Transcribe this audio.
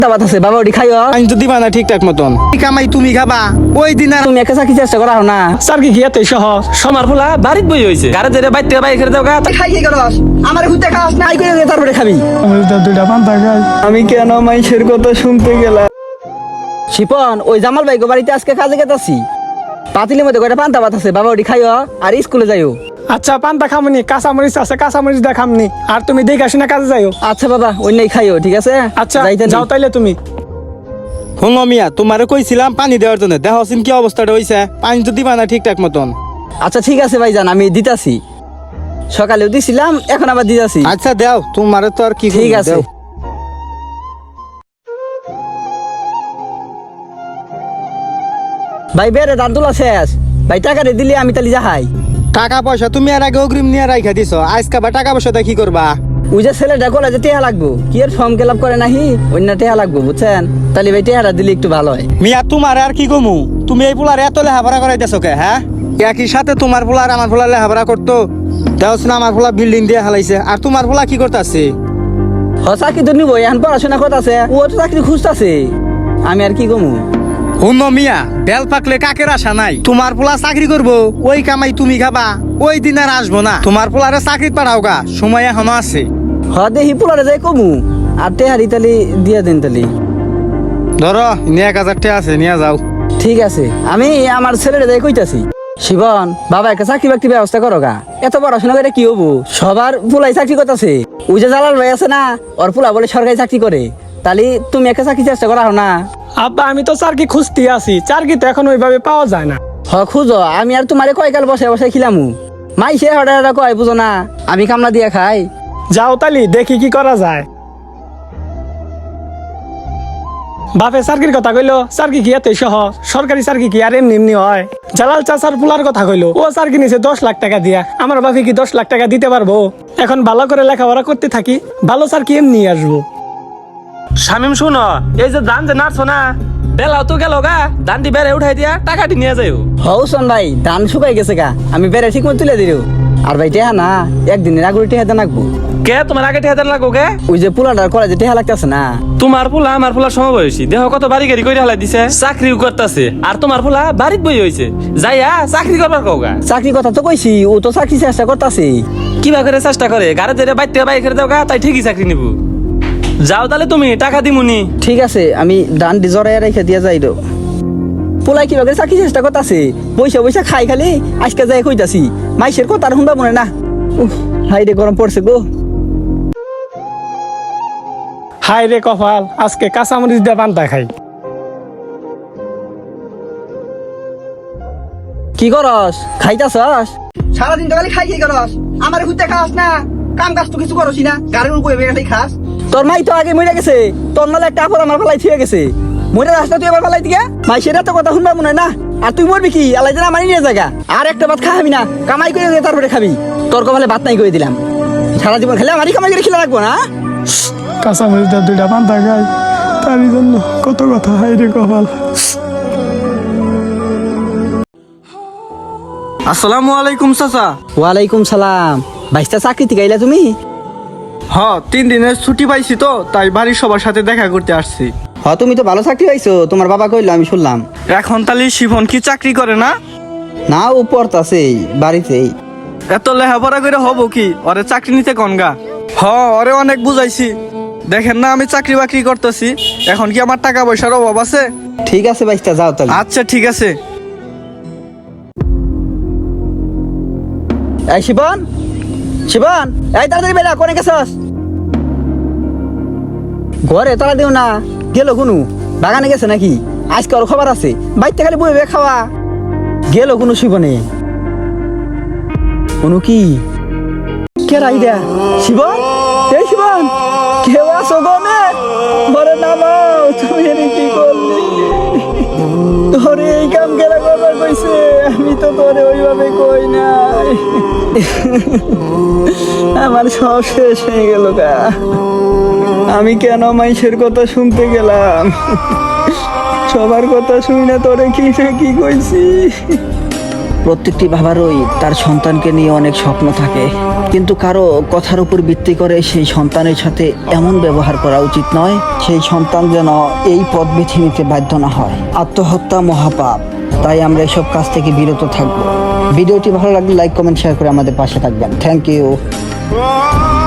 দাবাত আছে বাবা ওটি খাইও। আমি তো দিবা না ঠিকঠাক মতন। কামাই তুমি খাবা ওই দিন আর তুমি একা চাকরি চেষ্টা করা না। স্যার কি এত সহজ? সমার ফুলা বাড়িতে বই হয়েছে, গাড়ি ধরে বাইর থেকে বাইর করে দাও গা। খাই কি করস? আমার হুতে খাস না, আই করে তারপরে খাবি। দুইটা পান্তা খাই। আমি কেন মাইশের কথা শুনতে গেলাম? শিপন, ওই জামাল ভাই বাড়িতে আজকে কাজে গেতাছি। পাতিলের মধ্যে কয়টা পান্তা ভাত আছে, বাবা ওটি খাইও আর স্কুলে যাইও। আচ্ছা পান্তা খামনি, কাঁচামরিচ আছে কাঁচামরিচ দা খামনি। আর তুমি দেখে আসি না কাজে যাইও। আচ্ছা বাবা অন্যই খাইও, ঠিক আছে? আচ্ছা যাইতে যাও তাইলে তুমি। হুঙ্গ মিয়া তোমারে কইছিলাম পানি দেওয়ার জন্য, দেখছিন কি অবস্থাটা হইছে। পানি তো দিবা না ঠিকঠাক মতন। আচ্ছা ঠিক আছে ভাইজান, আমি দিতাছি। সকালেও দিছিলাম, এখন আবার দিতাছি। আচ্ছা দাও, তোমারে তো আর কি ঠিক আছে। দাও। ভাই বেরে দাঁত তোলা শেষ। ভাই টাকা রে দিলে আমি তালি যাহাই। টাকা পয়সা তুমি আর আগে অগ্রিম নিয়ে রাইখা দিছো, আজকে বা টাকা পয়সা দিয়ে কি করবা? ওই যে ছেলেটা কলেজে টেহা লাগবো, কি এর ফর্ম ফিল আপ করে নাহি, অন্য টেহা লাগবো বুঝছেন? তাহলে ভাই টেহাটা দিলে একটু ভালো হয়। মিয়া তোমার আর কি কমু, তুমি এই পোলার এত লেহাপড়া করাইতেছো কে? হ্যাঁ, একই সাথে তোমার পোলা আর আমার পোলা লেহাপড়া করতো। দেখছ না আমার পোলা বিল্ডিং দিয়ে হালাইছে, আর তোমার পোলা কি করতেছে? চাকরি তো নিবো, এখন পড়াশোনা করতেছে, ও তো চাকরি খুঁজতেছে। আমি আর কি কমু? হুন্ন মিয়া, বেল পাকলে কাকের আশা নাই। তোমার পোলা চাকরি করবো, ওই কামাই তুমি খাবা, ওই দিন আর আসবো না। তোমার পোলারে চাকরি পাঠাও গা, সময় এখনো আছে। দেখি পোলারে যাই কমু, আর টেহারি তালি দিয়ে দিন তালি। ধরো 1000 টাকা আছে, নিয়ে যাও। ঠিক আছে, আমি আমার ছেলেটা যাই কইতাছি। শিবন, বাবা একটা চাকরি বাকরি ব্যবস্থা করো গা। এত পড়াশোনা করে কি হবো? সবার পোলাই চাকরি করতেছে। ওই যে জালাল ভাই আছে না, ওর পোলা বলে সরকারি চাকরি করে। তাহলে তুমি একটা চাকরি চেষ্টা করা না? আব্বা আমি তো চারকি খুঁজতে আছি, চারকি তো এখন ওইভাবে পাওয়া যায় না। খুঁজো, আমি আর তোমারে কয়কাল বসে বসে খিলামু। মাইসে হঠাৎ কয় বুঝো না, আমি কামলা দিয়ে খাই। যাও তালি দেখি কি করা যায়। বাপে চাকরির কথা কইলো, চাকরি কি এত সহজ? সরকারি চাকরি কি আর এমনি এমনি হয়? জালাল চাচার পুলার কথা কইলো, ও চাকরি নিছে 10 লাখ টাকা দিয়া। আমার বাপে কি 10 লাখ টাকা দিতে পারবো? এখন ভালো করে লেখাপড়া করতে থাকি, ভালো চাকরি এমনি আসবো। শামিম শুনো, এই যে ধান যে নাড়ছো না, বেলাও তো গেল গা, ধানটি বেড়ে উঠাই দিয়া টাকাটি নিয়ে যাইও। হৌসন ভাই, ধান শুকাই গেছে গা, আমি বেড়ে ঠিক মতো তুলে দিও। আর ভাই টেহা না, একদিনের আগুরি টেহা দেন রাখবো। কে তোমার আগে ঠেহাদার লাগো কে? ওই যে পোলাটার কলেজে টেহা লাগতেছে না। তোমার পোলা আমার পোলা সমবয়সী, দেহ কত বাড়ি গাড়ি করে হালাই দিছে, চাকরিও করতেছে। আর তোমার পোলা বাড়িতে বই হয়েছে, যাইয়া চাকরি করবার কওগা। চাকরি কথা তো কইছি, ও তো চাকরি চেষ্টা করতেছে। কিবা করে চেষ্টা করে, গাড়ি ধরে বাইর থেকে বাইর করে দাও গা, তাই ঠিকই চাকরি নিব। যাও তাহলে তুমি, টাকা দিমুনি। ঠিক আছে, আমি ধান জড়াই রেখে দিয়ে যাই দো। পোলাই কিবা করে চাকরি চেষ্টা করতেছে, পয়সা পয়সা খাই খালি আজকে যাই কইতাছি। মাইসের কথা আর শুনবা মনে না। হাই রে গরম পড়ছে গো। হাই রে কপাল, আজকে কাঁচামরিচ দিয়ে পান্তা খাই। কি করস? খাইতাছস? সারাদিন তো খালি খাই করস। আমার হুতে খাস না, কাম কাজ তো কিছু করসি না, গাড়ির উপরে বেড়ে খাস। তোর মাই তো আগে মরে গেছে, তোর নালে একটা আপর আমার ফেলাই থিয়ে গেছে। মরে রাস্তা তুই আবার ফেলাই দিকে, মাইসের এত কথা শুনবা মনে না। আর তুই মরবি কি? আলাই জানা মানি নিয়ে জায়গা। আর একটা ভাত খাবি না, কামাই করে তারপরে খাবি। তোর কপালে ভাত নাই করে দিলাম। সারা জীবন খেলে আমারই কামাই করে খেলে রাখবো না। কাঁচামরিচ দিয়ে 2টা পান্তা খাই, তারই জন্য কত কথা। হাই রে কপাল। আসসালামু আলাইকুম চাচা। ওয়ালাইকুম সালাম। বাইশটা চাকরি থেকে আইলা তুমি? 3 দিনের ছুটি পাইছি তো, তাই বাড়ির সবার সাথে দেখা করতে আসছি। তুমি তো ভালো চাকরি পাইছো, তোমার বাবা কইলো, আমি শুনলাম। এখন তাহলে শিফন কি চাকরি করে না? না, ও পড়তাছেই বাড়িতেই। এত লেহাপড়া করে হবো কি, ওরে চাকরি নিতে কনগা। ওরে অনেক বুঝাইছি, দেখেন না আমি চাকরি বাকরি করতেছি, এখন কি আমার টাকা পয়সার অভাব আছে? ঠিক আছে বাইশটা, যাও তাহলে। আচ্ছা ঠিক আছে। এই শিবন, শিবন, এই তাড়াতাড়ি বেড়া, কোনে গেছস? ঘরে তালা দিও না, গেল কোনো বাগানে গেছে নাকি? আজকে ওর খবর আছে, বাইতে খালি বইবে খাওয়া। গেল কোনো শিবনে? কোনো কি কে রাই দেয়া? শিবন, এই শিবন, কেউ আসো গনে? ঘরে নামাও, তুমি এর কি করলি? তোরে এই কাম কেলা করবার কইছে, আমি তো তোরে ওইভাবে কই নাই। আমার সব শেষ হয়ে গেল গা। আমি কেন মাইসের কথা শুনতে গেলাম? সবার কথা শুনে তোরে কি না কি কইছি। প্রত্যেকটি বাবারই তার সন্তানকে নিয়ে অনেক স্বপ্ন থাকে, কিন্তু কারো কথার উপর ভিত্তি করে সেই সন্তানের সাথে এমন ব্যবহার করা উচিত নয়, সেই সন্তান যেন এই পথ বেছে নিতে বাধ্য না হয়। আত্মহত্যা মহাপাপ, তাই আমরা এসব কাজ থেকে বিরত থাকবো। ভিডিওটি ভালো লাগলে লাইক, কমেন্ট, শেয়ার করে আমাদের পাশে থাকবেন। Thank you.